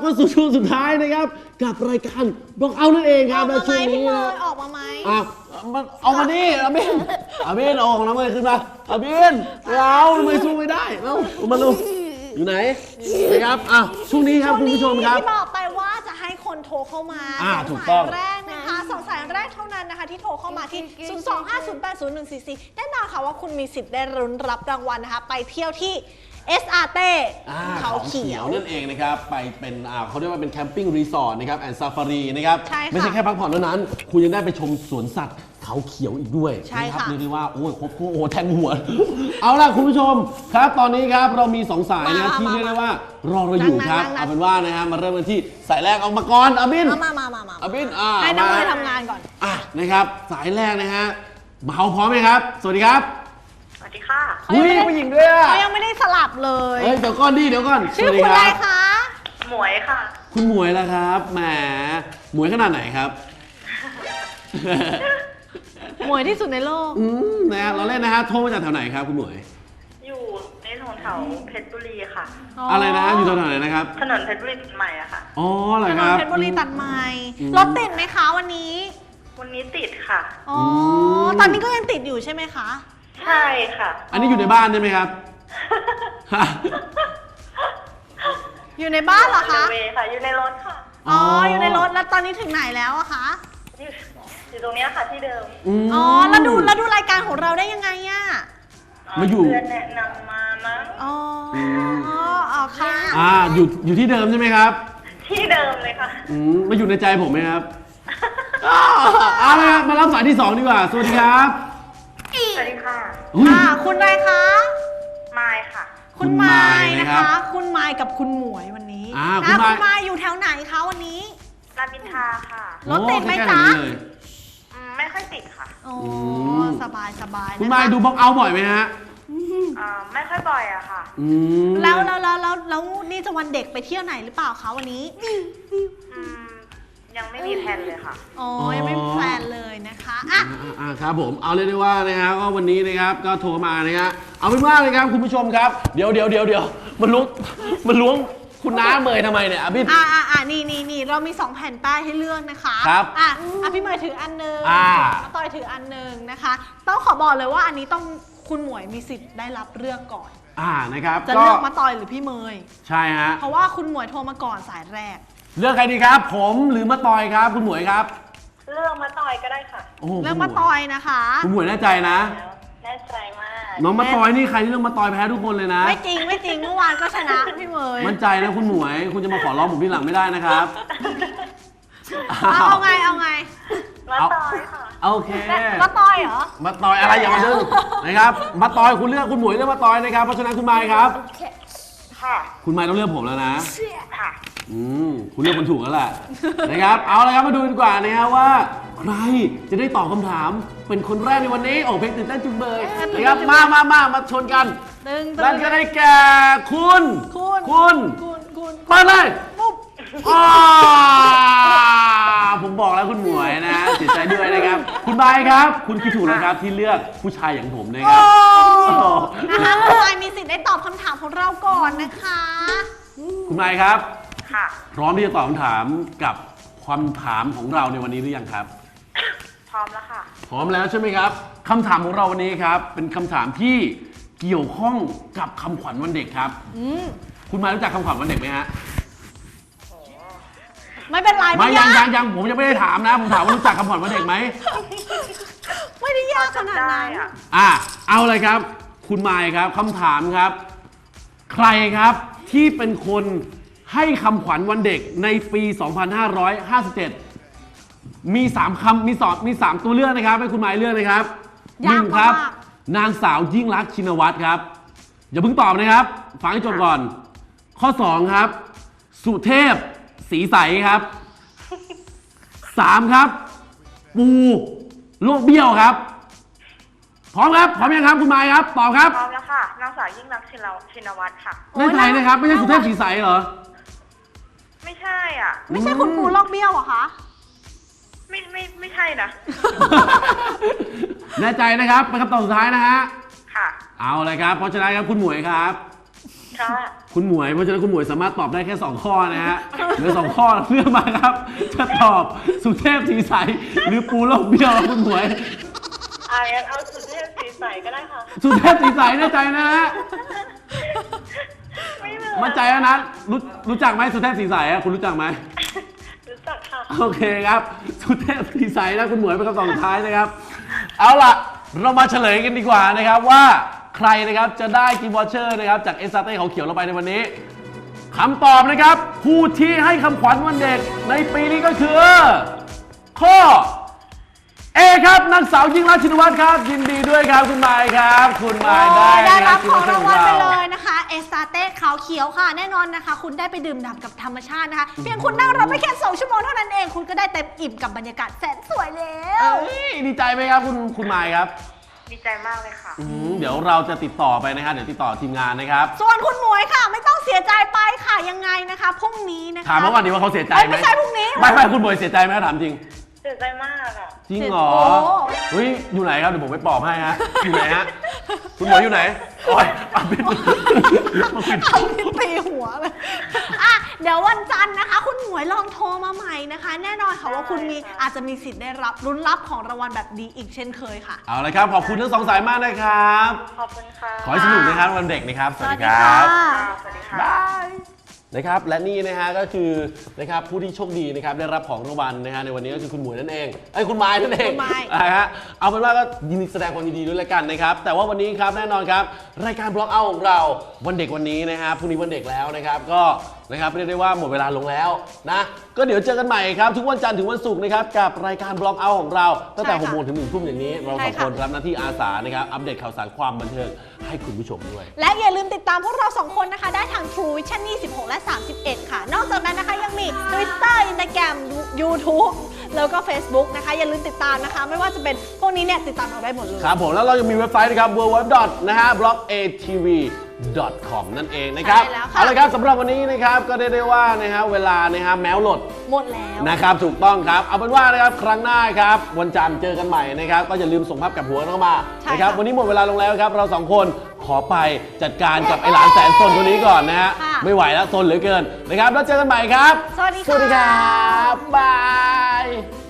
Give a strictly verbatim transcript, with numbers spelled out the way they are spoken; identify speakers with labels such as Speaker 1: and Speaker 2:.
Speaker 1: ก็สู่ช่วงสุดท้ายนะครับกับรายการบอกเอานั่นเองครับและช่วงนี้นะ
Speaker 2: ออกมาไหม
Speaker 1: อ่ะมันเอามาดิอาบินอาบินเอาของน้ำมันขึ้นมาอาบินเราทำไมสู้ไม่ได้เอ้ามาดูอยู่ไหนนะครับอ่ะช่วงนี้ครับคุณผู้ชมครับ
Speaker 2: ที่บอกไปว่าจะให้คนโทรเข้ามา
Speaker 1: อ่าถูกต้อง
Speaker 2: สายแรกนะคะสองสายแรกเท่านั้นนะคะที่โทรเข้ามาที่ศูนย์ สอง ห้า ศูนย์ แปด ศูนย์ หนึ่ง สี่ สี่แน่นอนค่ะว่าคุณมีสิทธิ์ได้รุ้นรับรางวัลนะคะไปเที่ยวที่ เอส อาร์ เต้เขาเขียว
Speaker 1: นั่นเองนะครับไปเป็นอ่าเขาเรียกว่าเป็นแคมปิ้งรีสอร์ทนะครับแอนด์ซาฟารีนะครับไม่ใช่แค่พักผ่อนเท่านั้นคุณยังได้ไปชมสวนสัตว์เขาเขียวอีกด้วยนะครับเรียกได้ว่าโอ้ยครบโอ้แทงหัวเอาล่ะคุณผู้ชมครับตอนนี้ครับเรามีสองสายนะที่เรียกได้ว่ารอเราอยู่ครับเอาเป็นว่านะฮะมาเริ่มกันที่สายแรกเอามาก่อนอาบิน
Speaker 2: มามามามา
Speaker 1: อาบินอ่า
Speaker 2: ให้น้องเลยทำงานก่อน
Speaker 1: อ่ะนะครับสายแรกนะฮะเมาพร้อมไหมครับสวัสดีครับ
Speaker 3: สวัสดีค่ะ
Speaker 1: อุ้ยผู้หญิงด้วย
Speaker 2: เขายังไม่ได้สลับเลย
Speaker 1: เฮ้ยเดี๋ยวก่อนดิเดี๋ยวก่อน
Speaker 2: ชื่อคุณอะไรคะ
Speaker 3: หมวยค่ะ
Speaker 1: คุณหมวยแล้วครับแหมหมวยขนาดไหนครับ
Speaker 2: หมวยที่สุดในโลก
Speaker 1: อืมนะฮะเราเล่นนะฮะโทรมาจากแถวไหนครับคุณหมวย
Speaker 3: อยู่ในถนนแถวเพชรบุรีค่ะ
Speaker 1: อะไรนะอยู่แถวไหนนะครับ
Speaker 3: ถนนเพชรบุรีตัดใหม่อะค่ะ
Speaker 1: อ๋อเหรอครับ
Speaker 2: ถนนเพชรบุรีตัดใหม่รถติดไหมคะวันนี้
Speaker 3: วันนี้ติดค่ะ
Speaker 2: อ๋อตอนนี้ก็ยังติดอยู่ใช่ไหมคะ
Speaker 3: ใช่ค่ะ
Speaker 1: อันนี้อยู่ในบ้านใช่ไหมครับ
Speaker 2: อยู่ในบ้านเหรอคะ
Speaker 3: อยู่ค่ะอยู่ในรถค่ะ
Speaker 2: อ๋ออยู่ในรถแล้วตอนนี้ถึงไหนแล้วอะคะ
Speaker 3: อยู่ตรงนี้ค่ะที่เดิม
Speaker 2: อ๋อแล้วดูแล้วดูรายการของเราได้ยังไงอะ
Speaker 1: มาอยู่
Speaker 3: เพื่อนแนะนำมามั้ง
Speaker 2: อ๋ออ๋อค่ะ
Speaker 1: อ่าอยู่อยู่ที่เดิมใช่ไหมครับ
Speaker 3: ที่เดิมเลยค่ะ
Speaker 1: อืมมาอยู่ในใจผมไหมครับเอาละครับมารับสายที่สองดีกว่าสวัสดีครับ
Speaker 3: สวัสดีค่ะ
Speaker 2: ค่ะคุณอะไรคะ
Speaker 3: ไมค์ค่ะ
Speaker 2: คุณไมค์นะคะคุณไมค์กับคุณหมวยวันนี้
Speaker 1: อ่าคุณ
Speaker 2: ไมค์อยู่แถวไหนคะวันนี้
Speaker 3: รามอินทราค่ะ
Speaker 2: รถติดไหมจ๊ะ
Speaker 3: ไม่ค่อยติดค่ะ
Speaker 2: โอ้สบายสบาย
Speaker 1: คุณไมค์ดูบล็อกเอาบ่อยไหมฮะ
Speaker 3: อ่าไม่ค่อยบ่อยอะค่ะ
Speaker 2: แล้วแล้วแล้วแล้วแล้วนี่จะวันเด็กไปเที่ยวไหนหรือเปล่าคะวันนี้
Speaker 3: ยังไม่มีแพลนเลยค่ะ
Speaker 2: อ๋อยังไม่มีแพลนเลยนะคะอ่ะ
Speaker 1: อ่าครับผมเอาเลยได้ว่านะฮะก็วันนี้นะครับก็โทรมานะฮะเอาเป็นว่าเลยครับคุณผู้ชมครับเดี๋ยวเดี๋ยวเดี๋ยวเดี๋ยวมันล้วงมันล้วงคุณน้าเมยทำไมเนี่ยอ่ะพี่
Speaker 2: อ่าอ่าอ่านี่นี่นี่เรามีสองแผ่นป้ายให้เลือกนะคะ
Speaker 1: ครับ
Speaker 2: อ่ะอ่ะพี่เมย์ถืออันนึงอ่าต้อยถืออันนึงนะคะต้องขอบอกเลยว่าอันนี้ต้องคุณหมวยมีสิทธิ์ได้รับเลือกก่อน
Speaker 1: อ่านะครับ
Speaker 2: จะเลือกมาต่อยหรือพี่เมย์
Speaker 1: ใช่ฮะ
Speaker 2: เพราะว่าคุณหมวยโทรมาก่อนสายแรก
Speaker 1: เลือกใครดีครับผมหรือมาต่อยครับคุณหมวยครับ
Speaker 3: เลือกมาต่อยก็ได้ค่ะ
Speaker 2: เลือกมาต่อยนะคะ
Speaker 1: คุณหมวยแน่ใจนะ
Speaker 3: แน่ใจมาก
Speaker 1: น้องมาต่อยนี่ใครที่เลือกมาต่อยแพ้ทุกคนเลยนะ
Speaker 2: ไม่จริงไม่จริงเมื่อวานก็ชนะพี่เมย์
Speaker 1: มั่นใจนะคุณหมวยคุณจะมาขอร้องผมที่หลังไม่ได้นะครับ
Speaker 2: เอาไงเอาไง
Speaker 3: มาต่อยค่ะ
Speaker 1: โอเค
Speaker 2: มาต่อยเหรอ
Speaker 1: มาต่อยอะไรอย่ามาดึงนะครับมาต่อยคุณเลือกคุณหมวยเลือกมาต่อยนะครับเพราะฉะนั้นคุณไมค์ครับ
Speaker 3: ค่ะ
Speaker 1: คุณไมค์ต้องเลือกผมแล้วนะ
Speaker 3: ค่ะ
Speaker 1: อืมคุณเลือกคนถูกแล้วแหละนะครับเอาละครับมาดูดีกว่านะครับว่าใครจะได้ตอบคำถามเป็นคนแรกในวันนี้โอ้เพลงตื่นเต้นจุงเบยนะครับมามามามาชนกันนั่นก็ได้แก่คุณ
Speaker 2: คุณ
Speaker 1: คุณ
Speaker 2: คุณ
Speaker 1: มาเลยอ๋อผมบอกแล้วคุณหมวยนะเสียใจด้วยนะครับคุณใบครับคุณคิดถูกแล้วครับที่เลือกผู้ชายอย่างผมนะครับ
Speaker 2: นะคะคุณใบมีสิทธิ์ได้ตอบคำถามของเราก่อนนะคะ
Speaker 1: คุณใบครับ
Speaker 3: ค่ะ
Speaker 1: พร้อมที่จะตอบคำถามกับคำถามของเราในวันนี้หรือยังครับ
Speaker 3: พร้อมแล้วค่ะ
Speaker 1: พร้อมแล้วใช่ไหมครับคำถามของเราวันนี้ครับเป็นคำถามที่เกี่ยวข้องกับคำขวัญวันเด็กครับคุณมารู้จักคำขวัญวันเด็กไหมฮะ
Speaker 2: ไม่เป็นไร
Speaker 1: ไม่ยังยังยังผมยังไม่ได้ถามนะผมถามว่ารู้จักคำขวัญวันเด็กไหม
Speaker 2: ไม่ได้ยากขนาดนั้น
Speaker 1: อ่ะเอาเลยครับคุณมายครับคำถามครับใครครับที่เป็นคนให้คำขวัญวันเด็กในปี สองพันห้าร้อยห้าสิบเจ็ด มีสามคำมีสองมีสามตัวเลือกนะครับให้คุณหมายเลือกนะครับหนึ่งครับนางสาวยิ่งลักษณ์ชินวัตรครับอย่าเพิ่งตอบนะครับฟังให้จบก่อนข้อสองครับสุเทพสีใสครับสามครับปูโลกเบี้ยวครับพร้อมครับพร้อมยังครับคุณหมายครับตอบครับ
Speaker 3: พร้อมแล้วค่ะนางสาวยิ่งลักษณ์ชินวัตรค่ะ
Speaker 1: ไม่ใช่นะครับไม่ใช่สุเทพสีใสเหรอ
Speaker 3: ไม่ใช่อ่ะ
Speaker 2: ไม่ใช่คุณปูโลกเบี้ยวเหรอคะ
Speaker 3: ไม่ไม่ไม่ใช่นะ
Speaker 1: แน่ใจนะครับเป็นคำตอบสุดท้ายนะฮะ
Speaker 3: ค่ะ
Speaker 1: เอาเลยครับเพราะฉะนั้นครับคุณหมวยครับ
Speaker 3: ค่ะ
Speaker 1: คุณหมวยเพราะฉะนั้นคุณหมวยสามารถตอบได้แค่สองข้อนะฮะเหลือสองข้อเลือกมาครับ จะตอบสุเทพสีใสหรือปูโลกเบี้ยวครับคุณหมวย
Speaker 3: อ่างั้นเอาสุเทพสีใสก็ได้ค่ะ
Speaker 1: สุเทพสีใสแน่ใจนะฮะ
Speaker 3: ไม่เหมือน
Speaker 1: มั่นใจแล้วนะรู้รู้จักไหมสุเทพสีใสอะคุณรู้จักไหม
Speaker 3: รู้จักค่ะ
Speaker 1: โอเคครับ สุเทพสีใสนะคุณหมวยเป็นคำตอบสุดท้ายนะครับ เอาล่ะ เรามาเฉลยกันดีกว่านะครับว่าใครนะครับจะได้กิฟต์วอเชอร์นะครับจากเอสซาเต้เขาเขียวเราไปในวันนี้คำตอบนะครับผู้ที่ให้คำขวัญวันเด็กในปีนี้ก็คือ ข้อ เอครับนางสาวยิ่งรักษณ์ชินวัตรครับ ยินดีด้วยครับคุณมายครับ คุณมายได้
Speaker 2: ได้รับ
Speaker 1: กิ
Speaker 2: ข
Speaker 1: ฟ
Speaker 2: อง
Speaker 1: ต์วอเชอ
Speaker 2: ราง
Speaker 1: ร์
Speaker 2: วัลไป
Speaker 1: ข
Speaker 2: เล
Speaker 1: อง
Speaker 2: ยนะคะเอสตาเต้ขาวเขียวค่ะ แน่นอนนะคะ คุณได้ไปดื่มด่ำกับธรรมชาตินะคะ เพียงคุณนั่งรถไปแค่สองชั่วโมงเท่านั้นเอง คุณก็ได้เต็มอิ่มกับบรรยากาศแสนสวยแล้ว
Speaker 1: เอ้ยดีใจไหมครับคุณคุณมายครับ
Speaker 3: ดีใจมากเลยค่ะ
Speaker 1: อืมเดี๋ยวเราจะติดต่อไปนะครับเดี๋ยวติดต่อทีมงานนะครับ
Speaker 2: ส่วนคุณหมวยค่ะ ไม่ต้องเสียใจไปค่ะยังไงนะคะพรุ่งนี้นะคะ
Speaker 1: ถามเมื่อวานนี้ว่าเขาเสียใจไหม
Speaker 2: เอ้ยไม่ใช่พรุ่งนี้
Speaker 1: ไม่ไม่คุณหมวยเสียใจไหมถามจริง
Speaker 3: เสียใจมากอ่ะ
Speaker 1: จริงเหรอ
Speaker 2: โอ้
Speaker 1: เฮ้ยอยู่ไหนครับเดี๋ยวผมไปปลอบให้ฮะอยู่ไหนฮะคุณหมวยอยู่ไหนโอ้ยเอาปิดมาปิด
Speaker 2: เอาลิ้นตีหัวเลยอ่ะเดี๋ยววันจันทร์นะคะ คุณหมวยลองโทรมาใหม่นะคะ แน่นอนค่ะว่าคุณมี
Speaker 3: ได้ค่ะ
Speaker 2: อาจจะมีสิทธิ์ได้รับลุ้นรับของรางวัลแบบดีอีกเช่นเคยค่ะ
Speaker 1: เอาละครับขอบคุณทั้งสองสายมากนะครับ
Speaker 3: ขอบคุณค่ะ
Speaker 1: ขอให้สนุกนะครับวันเด็กนะครับสวัสดีค
Speaker 2: สวัสดี
Speaker 1: รั
Speaker 2: ค่ะ
Speaker 1: บ
Speaker 3: ค่ะสวัสดีค่ะ
Speaker 1: บายนะครับและนี่นะฮะก็คือนะครับผู้ที่โชคดีนะครับได้รับของรางวัลนะฮะในวันนี้ก็คือคุณหมวยนั่นเองไอ้ยคุณไม้นั่นเอง
Speaker 2: คุณไม้
Speaker 1: นะฮะเอาเป็นว่าก็ยินดีแสดงความยินดีด้วยแล้วกันนะครับแต่ว่าวันนี้ครับแน่นอนครับรายการบล็อกเอาของเราวันเด็กวันนี้นะครับพรุ่งนี้วันเด็กแล้วนะครับก็นะครับเรียกได้ว่าหมดเวลาลงแล้วนะก็เดี๋ยวเจอกันใหม่ครับทุกวันจันทร์ถึงวันศุกร์นะครับกับรายการบล็อกเอาของเราตั้งแต่
Speaker 2: ใช่
Speaker 1: ห
Speaker 2: ค่ะ
Speaker 1: กโมงถึงหนึ่งทุ่มอย่างนี้เราสอง
Speaker 2: ใช่ค่ะ
Speaker 1: คนรับหน้าที่อาสานะครับอัปเดตข่าวสารความบันเทิงให้คุณผู้ชมด้วย
Speaker 2: และอย่าลืมติดตามพวกเราสองคนนะคะ ได้ทาง True Vision ยี่สิบหกและสามสิบเอ็ดค่ะ นอกจากนั้นนะคะยังมี Twitter Instagram YouTube แล้วก็ Facebook นะคะ อย่าลืมติดตามนะคะ ไม่ว่าจะเป็นพวกนี้เนี่ยติดตามเราได้หมดเลย
Speaker 1: ครับผมแล้วเรายังมีเว็บไซต์นะครับ ดับเบิลยู ดับเบิลยู ดับเบิลยู ดอท นะฮะ บล็อก เอ ที วี ดอท คอม นั่นเองนะครับ
Speaker 2: ใช่แล้วค่ะ
Speaker 1: เอาละครับสำหรับวันนี้นะครับก็ได้ได้ว่านะฮะเวลานะฮะแมวหลด
Speaker 2: หมดแล้ว
Speaker 1: นะครับถูกต้องครับเอาเป็นว่านะครับครั้งหน้าครับวันจันทร์เจอกันใหม่นะครับก็อย่าลืมส่งภาพกับหัวเข้ามา
Speaker 2: ใช่
Speaker 1: นะครับ
Speaker 2: ค่ะ
Speaker 1: วันนี้หมดเวลาลงแล้วครับเราสองคนขอไปจัดการกับไอหลานแสนซนคนนี้ก่อนนะฮะ
Speaker 2: ค่ะ
Speaker 1: ไม่ไหวแล้วซนเหลือเกินนะครับแล้วเจอกันใหม่ครับ
Speaker 2: สวัสดีค่ะ
Speaker 1: สวัสดีครับบาย